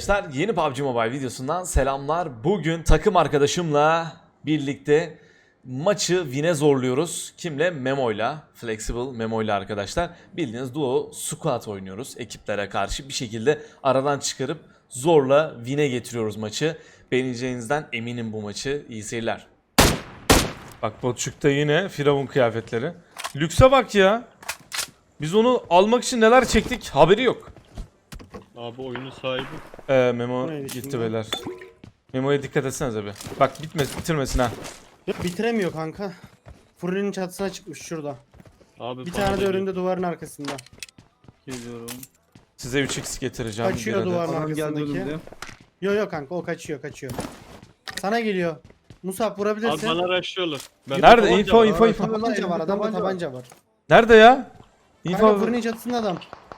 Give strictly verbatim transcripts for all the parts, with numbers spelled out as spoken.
arkadaşlar, yeni P U B G Mobile videosundan selamlar. Bugün takım arkadaşımla birlikte maçı win'e zorluyoruz. Kimle? Memo'yla, Flexible Memo'yla arkadaşlar. Bildiğiniz duo squad oynuyoruz. Ekiplere karşı bir şekilde aradan çıkarıp zorla win'e getiriyoruz maçı. Beğeneceğinizden eminim bu maçı. İyi seyirler. Bak Botçuk'ta yine Firavun kıyafetleri. Lükse bak ya. Biz onu almak için neler çektik haberi yok. Abi oyunun sahibi. Ee, Memo Neydi gitti şimdi? beyler. Memo'ya dikkat etsenize bir. Bak bitmez, bitirmesin ha. Yok bitiremiyor kanka. Fırının çatısına çıkmış şurada. Abi Bir bana tane de da önünde duvarın arkasında. Geliyorum. Size üç x getireceğim. Kaçıyor bir adet. duvarın Adam geldi arkasındaki. önümde. Yo yo kanka o kaçıyor kaçıyor. Sana geliyor. Musab Abi vurabilirsin. bana rushlıyorlar. Ben Nerede? tabanca Info, var. info, info. Tabanca var adamda Tabanca var. tabanca var. Nerede ya? Kanka İnfo. fırının çatısında adam.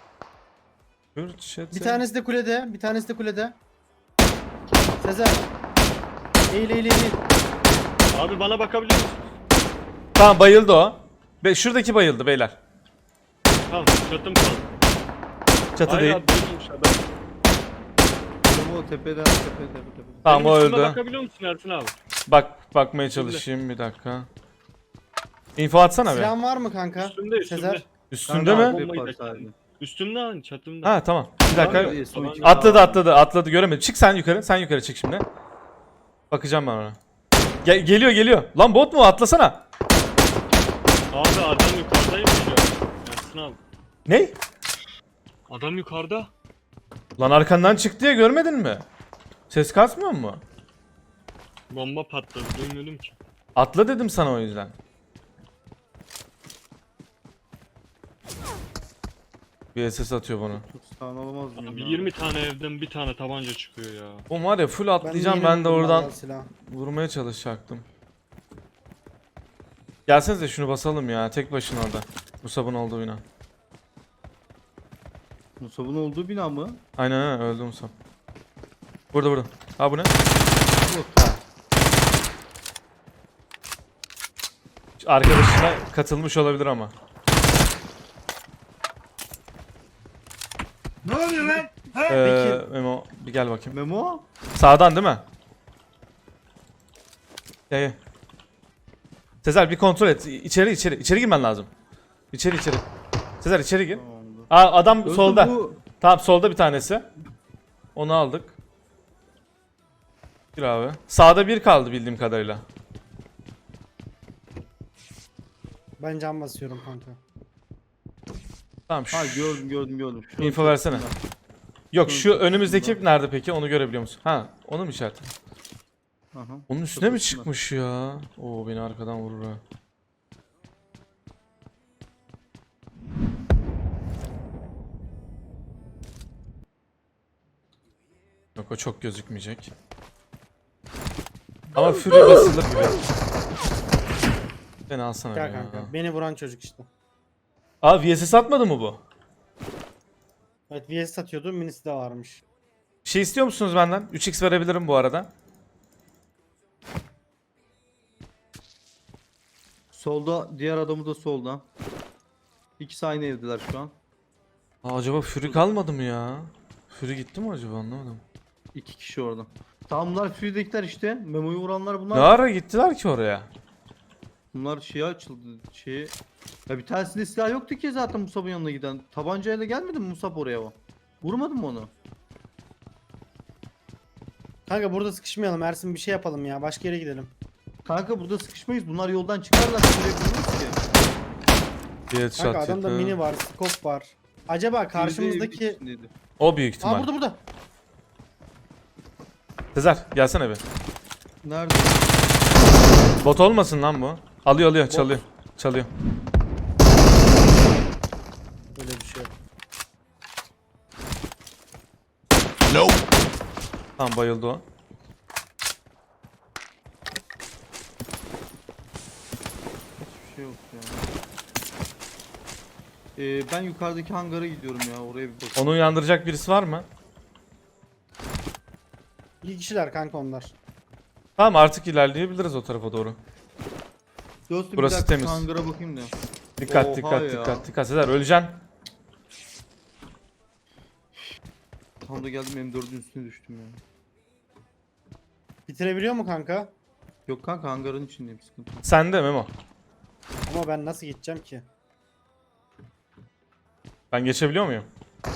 Bir tanesi de kulede, bir tanesi de kulede. Sezer. Eğil eğil eğil. Abi bana bakabiliyor musun? Tamam bayıldı o. Be şuradaki bayıldı beyler. Tamam çatım kaldı. Çatı Hayır değil. abi değilmiş adam. Tamam o tepeden tepe tepe tepe. Tamam o Benim üstüme öldü. bakabiliyor musun Ersin abi? Bak bakmaya çalışayım bir dakika. Info atsana be. Silahın var mı kanka? Üstümde üstümde. Sezer. Üstünde Kanka, mi? abi, Bombayı var da sadece. kendim. Üstümde lan çatımda. Ha tamam. Bir dakika. Abi, son iki- Atladı atladı atladı göremedim. Çık sen yukarı. Sen yukarı çık şimdi. Bakacağım ben ona. Gel geliyor geliyor. Lan bot mu? Atlasana. Abi adam yukarıdaymış ya. Ersin abi. Ne? Adam yukarıda. Lan arkandan çıktı ya görmedin mi? Ses kasmıyor mu? Bomba patladı duymadım ki. Atla dedim sana o yüzden. Bir S S atıyor bana. Sağını alamaz mıyım? Abi ya? yirmi tane evden bir tane tabanca çıkıyor ya. O var ya full atlayacağım yeni ben de buldum oradan vallahi silahı. vurmaya çalışacaktım. Gelsenize şunu basalım ya tek başına orada. Musab'ın olduğu bina. Musab'ın olduğu bina mı? Aynen aynen öldü Musab. Burada burada. Ha bu ne? Yok. Arkadaşına katılmış olabilir ama. Ne oluyor lan? Ee, Memo bir gel bakayım. Memo? Sağdan değil mi? Gel gel. Sezer bir kontrol et. İçeri içeri. İçeri girmen lazım. İçeri içeri. Sezer içeri gir. Tamamdır. Aa adam Yoksa solda. bu- Tamam solda bir tanesi. Onu aldık. Bir abi. Sağda bir kaldı bildiğim kadarıyla. Ben cam basıyorum kanka. Tamam şu. Ha gördüm gördüm gördüm. Şu Info an- versene. Yok şu Şunun önümüzdeki çatısında. nerede peki onu görebiliyor musun? Ha onu mu işaret? Aha. Onun üstüne mi Çatısında. çıkmış ya? Oo beni arkadan vurur ha. Yok o çok gözükmeyecek. Ama Fury basılır gibi. Beni alsana Gel ya. kanka. Beni vuran çocuk işte. Aa V S S atmadı mı bu? Evet V S satıyordu minisi de varmış. Bir şey istiyor musunuz benden? üç x verebilirim bu arada. Solda diğer adamı da solda. İkisi aynı evdeler şu an. Aa, acaba Fury kalmadı mı ya? Fury gitti mi acaba anlamadım. İki kişi orada. Tamam bunlar Fury'dekiler işte. Memo'yu vuranlar bunlar. Ne ara gittiler ki oraya? Bunlar şeye açıldı. Şeye... Ya bir tanesinde silah yoktu ki zaten Musab'ın yanına giden. Tabancayla gelmedi mi Musab oraya o? Vurmadın mı onu? Kanka burada sıkışmayalım Ersin bir şey yapalım ya başka yere gidelim. Kanka burada sıkışmayız. Bunlar yoldan çıkarlar. Şuraya vururuz ki. Bir headshot Kanka adamda yedi. mini var scope var. Acaba karşımızdaki... Biri de evin içindeydi. O büyük Aa ihtimal. burada burada. Sezer gelsene bir. Nerede? Bot olmasın lan bu. Alıyor alıyor çalıyor. Çalıyor. Öyle bir şey yok. Tamam bayıldı o. Hiçbir şey yok ya. Ee, ben yukarıdaki hangara gidiyorum ya. Oraya bir bakayım. Onu uyandıracak birisi var mı? İyi kişiler kanka onlar. Tamam artık ilerleyebiliriz o tarafa doğru. Dostum Burası bir dakika temiz. hangara bakayım da. Dikkat Oha dikkat ya. dikkat dikkat. Sezer öleceksin. tam da geldim M dördün üstüne düştüm ya. Bitirebiliyor mu kanka? Yok kanka hangarın içindeyim, sıkıntı yok. Sende Memo. Ama ben nasıl gideceğim ki? Ben geçebiliyor muyum?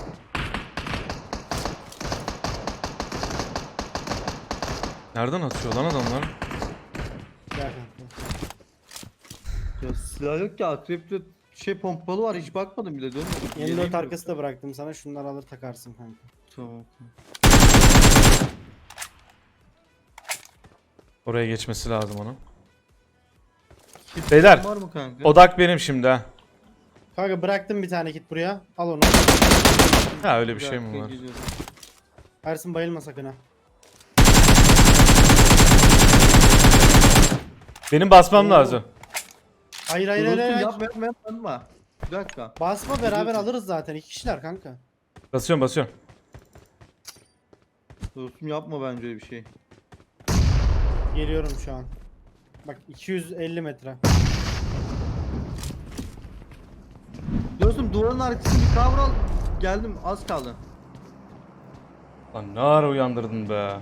Nereden atıyor lan adamlar? Gel kanka. Ya silah yok ya, akrepte şey pompalı var, hiç bakmadım bile, dönmedim. Yeni Yeleğim dört yok. arkası da bıraktım sana. Şunları alır takarsın kanka. Tamam. Oraya geçmesi lazım onun. Kit Beyler, var mı kanka? Odak benim şimdi ha. Kanka bıraktım bir tane kit buraya. Al onu. Ha öyle bir şey dakika, mi var? geliyorum. Ersin bayılma sakın ha. Benim basmam Oo. lazım. Hayır hayır Dur, hayır. dostum, hayır. yapma yapma yapma, yapma. Bir dakika. Basma beraber Gidiyorsun. alırız zaten. İki kişiler kanka. Basıyorum basıyorum. Dostum yapma bence öyle bir şey. Geliyorum şu an. Bak iki yüz elli metre. Dostum duvarın arkasını bir kavral. Geldim, az kaldı. Lan ne ara uyandırdın be.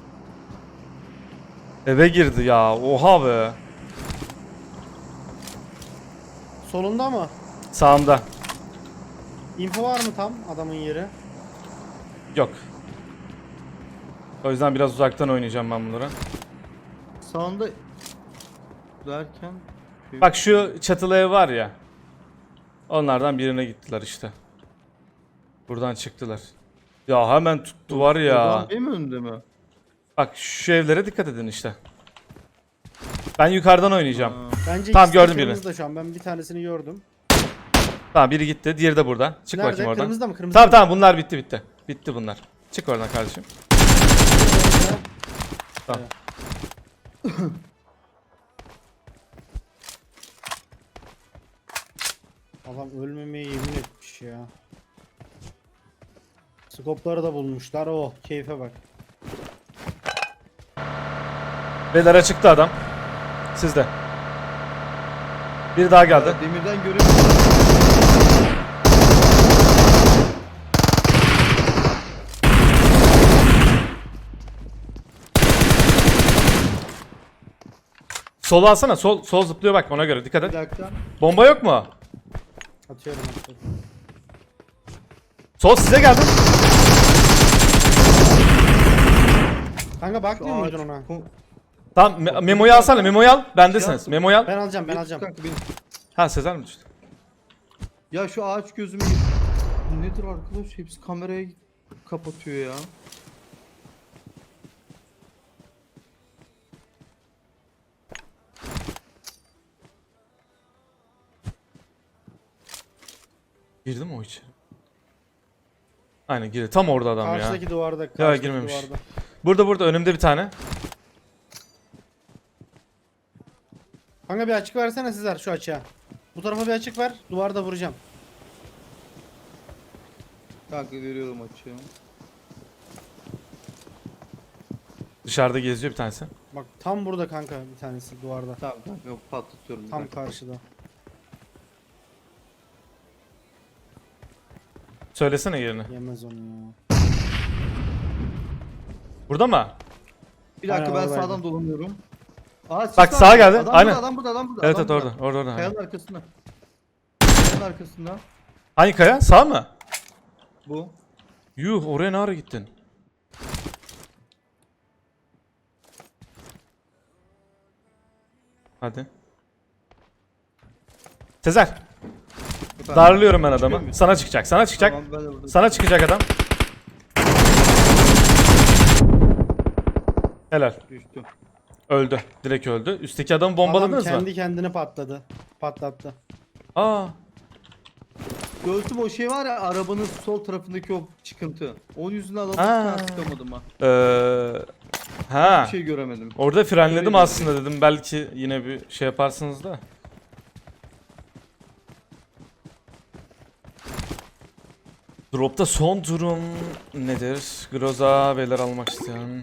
Eve girdi ya. Oha be. Solunda mı? Sağımda. Info var mı tam adamın yeri? Yok. O yüzden biraz uzaktan oynayacağım ben bunları. Sağında derken şey- Bak şu çatılı ev var ya. Onlardan birine gittiler işte. Buradan çıktılar. Ya hemen tuttu var ya. Ulan benim önümde mi? Bak şu evlere dikkat edin işte. Ben yukarıdan oynayacağım. Ha. Bence Tamam, ikisi de gördüm birini. kırmızıda şu an. Ben bir tanesini gördüm. Tamam biri gitti. Diğeri de burada. Çık Nerede? bakayım oradan. Kırmızıda mı? Kırmızıda Tamam mı? tamam bunlar bitti bitti. Bitti bunlar. Çık oradan kardeşim. Tamam. Adam ölmemeye yemin etmiş ya. Skopları da bulmuşlar. Oh keyfe bak. Beyler çıktı adam. Sizde. Biri daha geldi. Ya, demirden görüyorum. Solu alsana. Sol sol zıplıyor bak ona göre. Dikkat Bir et. dakika. Bomba yok mu? Atıyorum atıyorum. Sol size geldi. Kanka bakmıyor Ağaç- muydun ona? Ko- Tamam me- memoyu alsana. Memoyu al. Bendesiniz. Şey Memoyu al. Ben alacağım ben Bir- alacağım. kanka, benim- Ha Sezer mi düştü? Ya şu ağaç gözümü nedir arkadaş? Hepsi kamerayı kapatıyor ya. Girdi mi o içeri? Aynen girdi. Tam orada adam ya. Karşıdaki duvarda. Karşıdaki girmemiş. Duvarda. Burada burada önümde bir tane. Kanka bir açık versene Sezer şu açığa. Bu tarafa bir açık ver. Duvarda vuracağım. Kanka veriyorum açığı. Dışarıda geziyor bir tanesi. Bak tam burada kanka bir tanesi duvarda. Tamam kanka patlatıyorum. bir Tam dakika. karşıda. Söylesene yerini. Yemez onu ya. Burada mı? Bir dakika Aynen, ben oradaydı. sağdan dolanıyorum. Aa, sis Bak, var. sağa geldi, Adam aynen. Burada, adam burada, adam burada. Evet adam evet burada. orada. Orada orada. Kayanın arkasında. Kayanın arkasında. Hangi kaya? Sağ mı? Bu. Yuh oraya ne ara gittin? Hadi. Sezer. Efendim? Darlıyorum ben Çıkıyor adamı. muyum? Sana çıkacak. Sana çıkacak. Tamam, ben de burada. Sana çıkacak adam. Helal. Düştüm. Öldü. Direkt öldü. Üstteki adamı Adam bombaladınız kendi mı? kendine patladı. Patlattı. Aa. Göğsüm o şey var ya, arabanın sol tarafındaki o çıkıntı. Onun yüzünden adamı Ha. hiç sıkamadım ha. Ee, ha. Bir şey göremedim. Orada frenledim Öyle aslında dedim. Belki yine bir şey yaparsınız da. Drop'ta son durum nedir? Groza beyler almak isteyen.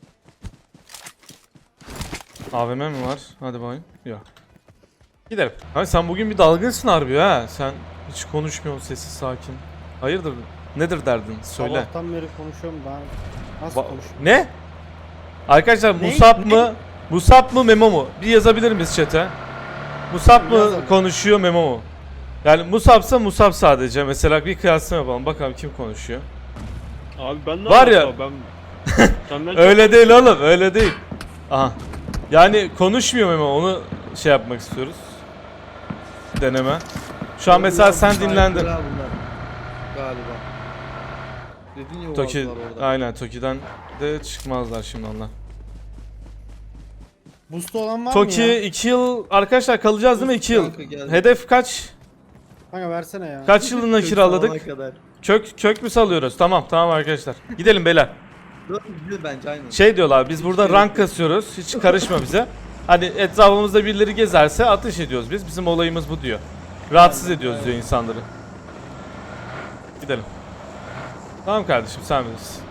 A V M mi var? Hadi bakayım. Yok. Gidelim. Abi sen bugün bir dalgınsın harbi ha. Sen hiç konuşmuyorsun, sessiz sakin. Hayırdır? Nedir derdin? Söyle. Sabahtan beri konuşuyorum ben. Nasıl Ba- konuşuyorum? ne? Arkadaşlar Ne? Musab Ne? mı? Musab mı Memo mu? Bir yazabilir miyiz chat'e? Musab mı Yazalım. konuşuyor Memo mu? Yani Musab'sa Musab sadece. Mesela bir kıyaslama yapalım. Bakalım kim konuşuyor. Abi ben ne Var ya- yapayım? Ben senden Öyle değil oğlum, öyle değil. Aha. Yani konuşmuyor Memo, onu şey yapmak istiyoruz. Deneme. Şu an mesela sen dinlendin. Bunlar galiba. Dedin ya o Toki, ağızlar orada. aynen Toki'den de çıkmazlar şimdi onlar. Boost'u olan var Toki mı ya? iki yıl arkadaşlar kalacağız değil mi? iki yıl. Kanka geldi. Hedef kaç? Kanka versene ya. Kaç yılına Kök kiraladık? salana kadar. Kök kök mü salıyoruz? Tamam tamam arkadaşlar. Gidelim beyler. Dört yüz bence aynen. Şey diyorlar biz burada rank kasıyoruz. Hiç karışma bize. Hani etrafımızda birileri gezerse ateş ediyoruz biz. Bizim olayımız bu diyor. Rahatsız ediyoruz diyor insanları. Gidelim. Tamam kardeşim sen bilirsin.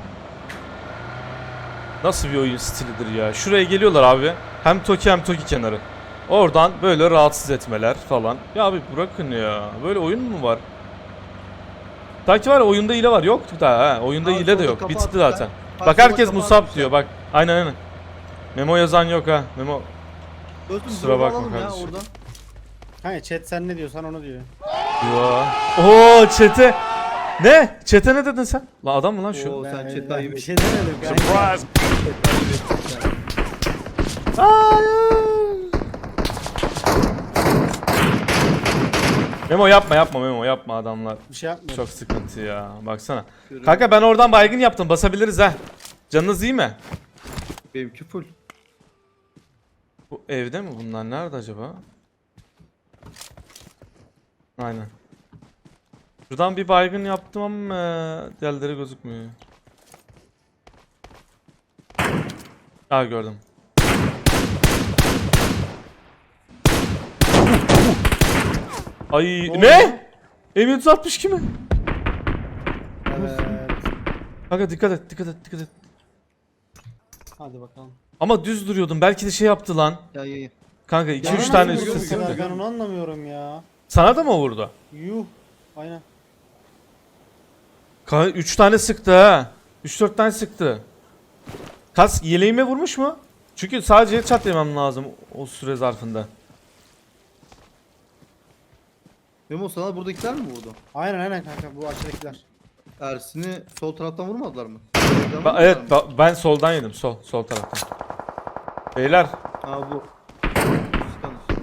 Nasıl bir oyun stilidir ya. Şuraya geliyorlar abi. Hem Toki hem Toki kenarı. Oradan böyle rahatsız etmeler falan. Ya abi bırakın ya. Böyle oyun mu var? Taki var ya, oyunda hile var. Yoktu daha ha. Oyunda Abi hile de solda yok. kafa Bitti atmışlar. zaten. Bak Bak solda herkes kafa Musab atmışlar. diyor bak. Aynen aynen. Memo yazan yok ha. Memo. Dostum Kusura drone bakma alalım ya kardeşim. oradan. Kanka chat sen ne diyorsan onu diyor. Yo. Oo çete. Ne? Çete ne dedin sen? Lan adam mı lan şu? Oo sen Ben- chat ben ayıp bir şey demedim kanka. Surprise. Hayır. Memo yapma yapma Memo yapma adamlar. Bir şey yapmıyorum. Çok sıkıntı ya. Baksana. Kanka ben oradan baygın yaptım. Basabiliriz ha. Canınız iyi mi? Benimki full. Bu evde mi bunlar? Nerede acaba? Aynen. Şuradan bir baygın yaptım ama e, diğerleri gözükmüyor. Aa gördüm. Ay Ne ne? M yüz altmış kimi? Evet. Kanka dikkat et dikkat et dikkat et. Hadi bakalım. Ama düz duruyordum. Belki de şey yaptı lan. Ya ya ya. Kanka iki Bana üç nasıl tane vuruyor üstü bu kadar? sıktı. Ben onu anlamıyorum ya. Sana da mı vurdu? Yuh. Aynen. Kanka üç tane sıktı ha. üç dört tane sıktı. Kas yeleğime vurmuş mu? Çünkü sadece headshot yemem lazım o süre zarfında. Memo sana buradakiler mi vurdu? Aynen aynen kanka bu aşağıdakiler. Ersin'i sol taraftan vurmadılar mı? Ba- evet ba- ben soldan yedim sol sol taraftan. Beyler Aa bu. Sıkan işte.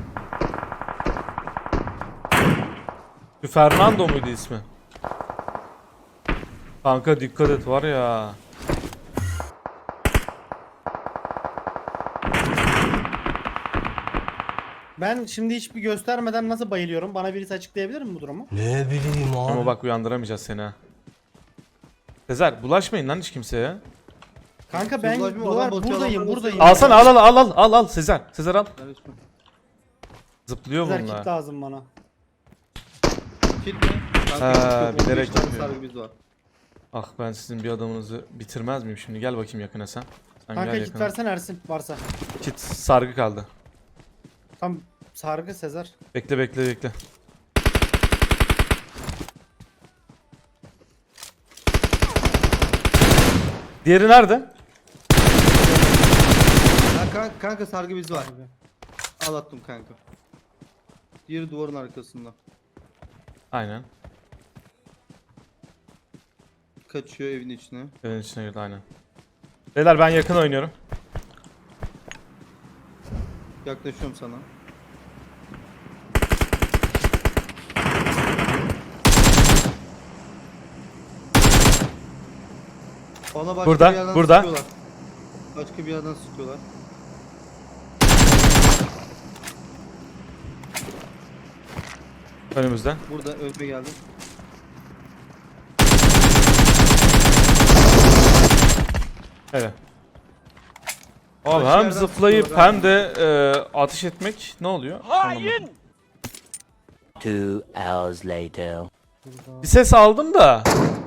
şu Fernando muydu ismi? Kanka dikkat et var ya. Ben şimdi hiçbir göstermeden nasıl bayılıyorum? Bana birisi açıklayabilir mi bu durumu? Ne bileyim abi. Ama bak uyandıramayacağız seni ha. Sezer bulaşmayın lan hiç kimseye. Kanka ben Ulaşma, duvar adam batıyor, buradayım adamlar buradayım. basıyor. Alsana al al al al al al Sezer. Sezer al. Ver ismi. Zıplıyor Güzel bunlar. kit lazım bana. Kit mi? Ha, Kanka, yok, bilerek on beş tane yapıyor. sargı biz var. Ah ben sizin bir adamınızı bitirmez miyim şimdi? Gel bakayım yakına sen. Sen Kanka gel kit yakına. versen Ersin varsa. Kit sargı kaldı. Tam sargı Sezer. Bekle bekle bekle. Diğeri nerede? Ha, kanka, kanka sargı biz var. Al attım kanka. Diğeri duvarın arkasında. Aynen. Kaçıyor evin içine. Evin içine girdi aynen. Beyler ben yakın oynuyorum. Yaklaşıyorum sana. Bana başka Burada, bir yerden burada. sıkıyorlar. Başka bir yerden sıkıyorlar. Önümüzden. Burada önüme geldi. Evet. Abi Başka hem yerden zıplayıp sıkıyorlar hem de e, ateş etmek ne oluyor? Anlamadım. Two hours later. Bir ses aldım da.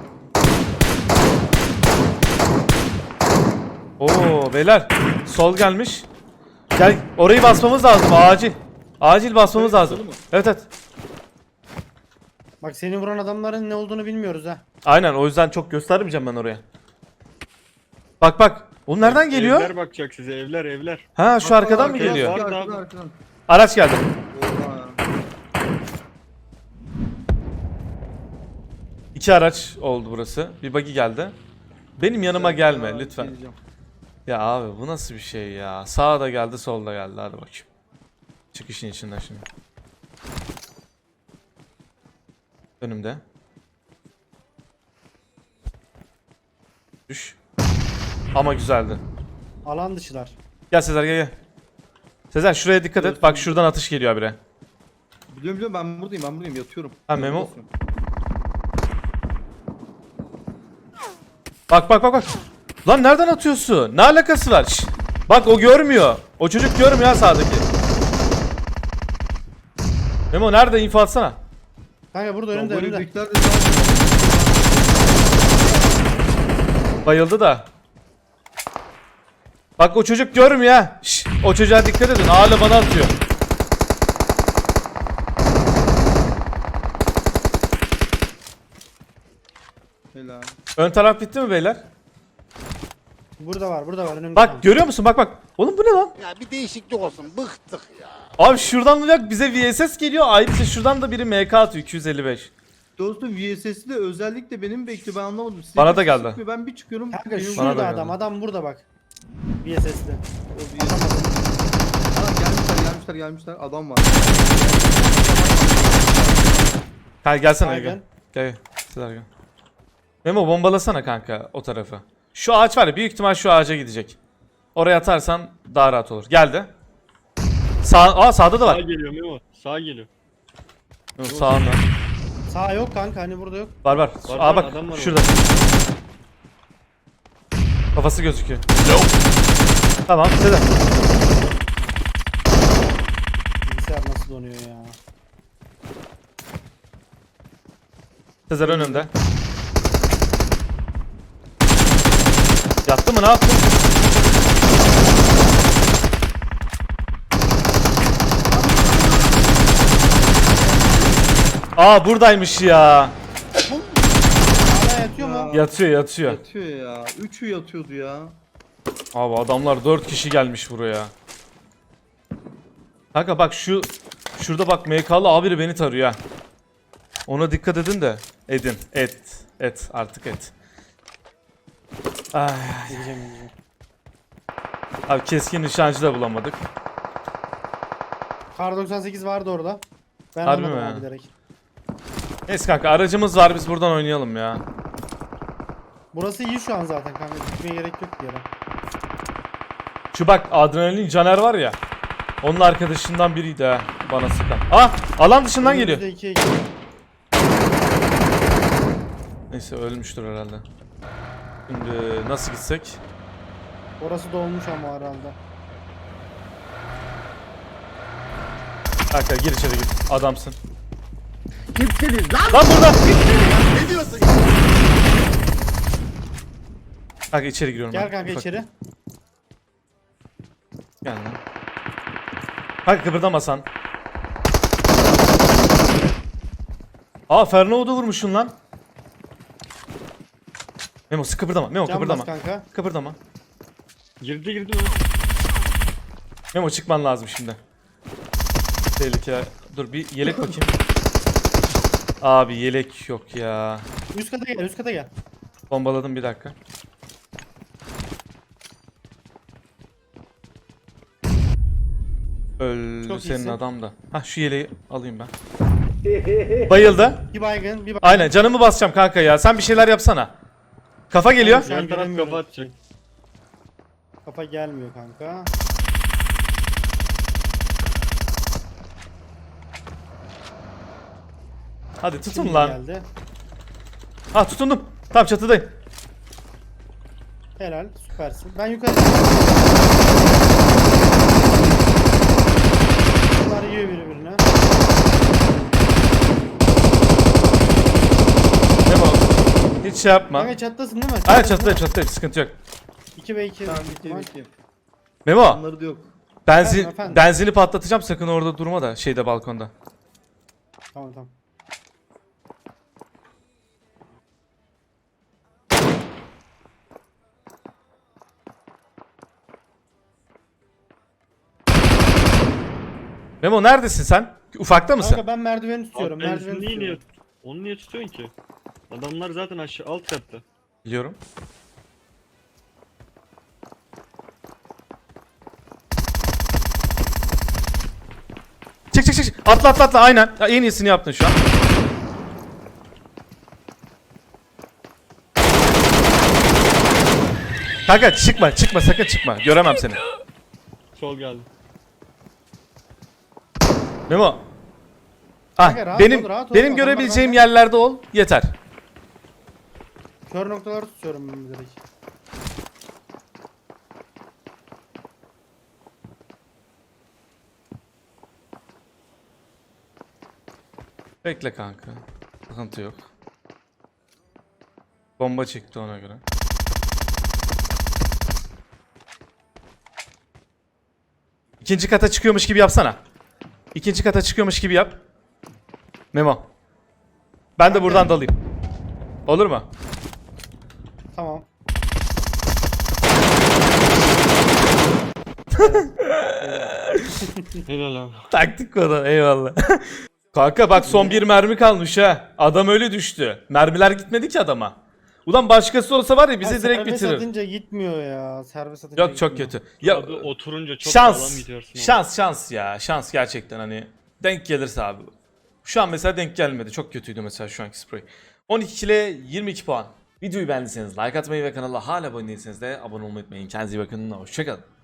Oo beyler sol gelmiş. Gel orayı basmamız lazım acil. Acil basmamız Evet, lazım. solu mu? Evet evet. Bak seni vuran adamların ne olduğunu bilmiyoruz ha. Aynen, o yüzden çok göstermeyeceğim ben oraya. Bak bak. O nereden geliyor? Evler bakacak size, evler evler. Ha, şu arkadan mı arkaya geliyor? var. Arkadan, Arkadan, arkadan. Araç geldi. Oha. İki araç oldu burası. Bir buggy geldi. Benim yanıma gelme Aa, lütfen. geleceğim. Ya abi bu nasıl bir şey ya? Sağda geldi, solda geldi. Hadi bakayım. Çık işin içinden şimdi. Önümde. Düş. Ama güzeldi. Alan dışılar. Gel Sezer, gel gel. Sezer şuraya dikkat et. Bak şuradan atış geliyor habire. Biliyorum biliyorum ben buradayım ben buradayım yatıyorum. Ha, Memo. Yatıyorum. Bak bak bak bak. Lan nereden atıyorsun? Ne alakası var? Şşt. Bak o görmüyor. O çocuk görmüyor ha sağdaki. Memo nerede? İnfo atsana. Kanka burada Ya önümde böyle önümde. büyükler de zaten- Bayıldı da. Bak o çocuk görmüyor ha. Şşt. O çocuğa dikkat edin. Hala bana atıyor. Helal. Ön taraf bitti mi beyler? Burada var burada var önümde. Bak görüyor musun? Bak bak. Oğlum bu ne lan? Ya bir değişiklik olsun. Bıktık ya. Abi şuradan da bize V S S geliyor. Ayrıca şuradan da biri M K atıyor. iki yüz elli beş. Dostum V S S'i de özellikle benim bekliyor ben anlamadım. Size Bana da bir geldi. sıkmıyor, Ben bir çıkıyorum. Kanka benim- Bana şurada da adam geldi. adam burada bak. V S S'de. O V S S. Aa, gelmişler gelmişler gelmişler adam var. Gel gelsene Aynen. gel. Gel gel. Sezer gel. Memo bombalasana kanka o tarafı. Şu ağaç var ya, büyük ihtimal şu ağaca gidecek. Oraya atarsan daha rahat olur. Geldi. Sağ, aa sağda da Sağ var. geliyor Memo. Sağ geliyor. Yok, sağında. Sağ yok kanka hani burada yok. Var var. Var, Aa var, bak adam var şurada. Kafası gözüküyor. Tamam Sezer. Bilgisayar nasıl donuyor ya. Sezer önümde. Yattı mı, ne yaptı? Aa buradaymış ya. Hala yatıyor mu? Ya. Yatıyor yatıyor. Yatıyor ya. Üçü yatıyordu ya. Abi adamlar dört kişi gelmiş buraya. Kanka bak şu şurada bak M K'lı abi beni tarıyor ha. Ona dikkat edin de. Edin. Et. Et. Artık et. Ay. Gideceğim gideceğim. Abi keskin nişancı da bulamadık. Kar doksan sekiz vardı orada. Ben Harbi almadım mi? abi direkt. Neyse kanka aracımız var, biz buradan oynayalım ya. Burası iyi şu an zaten kanka. Gitmeye gerek yok bir yere. Şu bak adrenalin Caner var ya. Onun arkadaşından biriydi ha bana sıkan. Ah alan dışından geliyor. Önümüzde ikiye iki. Neyse ölmüştür herhalde. Şimdi nasıl gitsek? Orası dolmuş ama herhalde. Kanka gir içeri gir. Adamsın. Kimsiniz lan? Lan burada. Ne diyorsun? Kanka içeri giriyorum Gel ben. kanka Ufak. içeri. Gel lan. Kanka kıpırdamasan. Aa Fernand'u vurmuşsun lan. Memo sık kıpırdama. Memo Can bas kıpırdama. kanka. Kıpırdama. Girdi girdi Memo. Memo çıkman lazım şimdi. Tehlike. Dur bir yelek bakayım. Abi yelek yok ya. Üst kata gel üst kata gel. Bombaladım bir dakika. Öldü Çok senin iyisin. adam da. Hah şu yeleği alayım ben. Bayıldı. Bir baygın bir baygın. Aynen canımı basacağım kanka ya. Sen bir şeyler yapsana. Kafa geliyor. Şu an Yan taraf göremiyorum. kafa atacak. Kafa gelmiyor kanka. Hadi tutun Şimdi lan. geldi. Ha tutundum. Tam çatıdayım. Helal süpersin. Ben yukarı. Bunlar yiyor birbirine. Memo. Hiç şey yapma. Kanka çatlasın değil mi? Hayır çatıdayım çatıdayım. Sıkıntı yok. iki ve iki. Tamam bitti bitti. Memo. Onları da yok. Benzin, Efendim, efendim. benzini patlatacağım. Sakın orada durma da şeyde balkonda. Tamam tamam. Memo neredesin sen? Ufakta mısın? Kanka ben merdiveni tutuyorum. Abi Merdiveni benzinliği niye? tutuyorum. Onu niye tutuyorsun ki? Adamlar zaten aşağı alt katta. Biliyorum. Çık çık çık. Atla atla atla aynen. Ya, en iyisini yaptın şu an. Kanka çıkma çıkma sakın çıkma. Göremem seni. Sol geldi. Memo. Ah, Kanka, rahat benim ol, rahat ol. benim Adamlar görebileceğim benden- yerlerde ol. Yeter. Kör noktaları tutuyorum ben direkt. Bekle kanka. Sıkıntı yok. Bomba çıktı ona göre. İkinci kata çıkıyormuş gibi yapsana. İkinci kata çıkıyormuş gibi yap. Memo. Ben de buradan dalayım. Olur mu? Tamam. Helal abi. Taktik o da eyvallah. Kanka bak son bir mermi kalmış ha. Adam öyle düştü. Mermiler gitmedi ki adama. Ulan başkası olsa var ya bizi Ha, direkt serbest bitirir. atınca gitmiyor ya. Serbest atınca Yok çok gitmiyor. kötü. Ya Abi oturunca çok sağlam şans. gidiyorsun. ama. Şans şans ya. Şans gerçekten hani denk gelirse abi. Şu an mesela denk gelmedi. Çok kötüydü mesela şu anki spray. on iki ile yirmi iki puan. Videoyu beğendiyseniz like atmayı ve kanala hala abone değilseniz de abone olmayı unutmayın. Kendinize iyi bakın. Hoşçakalın.